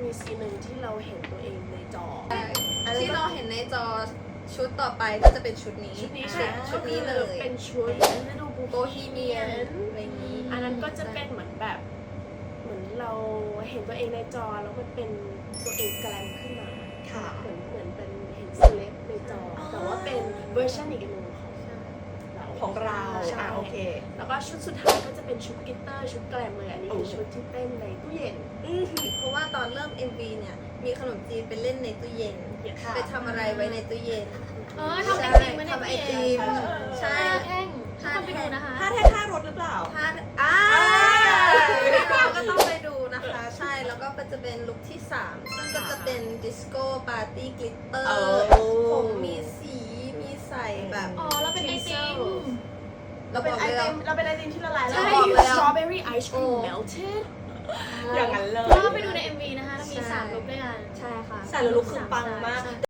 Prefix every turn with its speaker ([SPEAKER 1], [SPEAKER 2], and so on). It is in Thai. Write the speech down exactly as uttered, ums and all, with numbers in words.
[SPEAKER 1] มีซีนหนึ่งที่เราเห็นตัวเองในจอ
[SPEAKER 2] ที่เราเห็นในจอชุดต่อไปก็จะเป็นชุดนี้
[SPEAKER 1] ชุดนี้
[SPEAKER 2] ชุดชุดนี้เลย
[SPEAKER 1] เป็นชุด Little Bohemian
[SPEAKER 2] อะไรนี้
[SPEAKER 1] อันนั้นก็จะเป็นเหมือนแบบเหมือนเราเห็นตัวเองในจอแล้วมันเป็นตัวเองแกลมขึ้นมา
[SPEAKER 3] ค่ะ
[SPEAKER 1] เหมือนเหมือนเป็นเห็นเซเลบในจอ แต่ว่าเป็นเวอร์ชันอีกอันหนึ่งของเรา
[SPEAKER 3] ของเรา
[SPEAKER 1] ใช่
[SPEAKER 3] อ่ะโอเค
[SPEAKER 1] แล้วก็ชุดสุดท้ายก็จะเป็นชุดกลิตเตอร์ชุดแกลมเลยอันนี้คือชุดที่เต้นในตู้เย็น
[SPEAKER 2] เพราะว่าตอนเริ่ม เอ็ม วี เนี่ยมีขนมจีนไปเล่นในตู้เย็น
[SPEAKER 3] ค่ะ
[SPEAKER 2] ไปทำอะไรไว้ในตู้เย็น
[SPEAKER 4] เออทำไอติมไว้ใน
[SPEAKER 2] ทำไอ
[SPEAKER 4] ตู้
[SPEAKER 2] ติ
[SPEAKER 4] เย็น
[SPEAKER 2] มใช่
[SPEAKER 4] แท่งทุกคนไปดูนะคะ
[SPEAKER 3] ถ้าแท้ท่ารถหรือเปล่า
[SPEAKER 2] ถ้าอ่าเราก็ต้องไปดูนะคะ ใช่แล้วก็จะเป็นลุคที่สามซึ่งก็จะเป็นดิสโก้ปาร์ตี้กลิตเตอ
[SPEAKER 3] เอ
[SPEAKER 2] ร์
[SPEAKER 3] อ
[SPEAKER 2] ผมมีสีมีใส่แบบ
[SPEAKER 4] อ๋อแล้วเป็นไอติม
[SPEAKER 2] เรา
[SPEAKER 1] เป็น
[SPEAKER 2] บอก
[SPEAKER 1] ไอ
[SPEAKER 2] เลย
[SPEAKER 1] ติมเราเป็นไอติมที่ละลายแล้ว
[SPEAKER 2] ใช่
[SPEAKER 1] บอกเลย
[SPEAKER 2] แล้ว
[SPEAKER 1] strawberry ice cream
[SPEAKER 2] โอ้
[SPEAKER 1] melted
[SPEAKER 3] อย่างนั้นเลย
[SPEAKER 4] ก็ไปดูใน เอ็ม วี นะคะแล้วมีสามลุคด้วยกัน
[SPEAKER 2] ใช่ค่ะ
[SPEAKER 3] แต่ละลุคคือปังมาก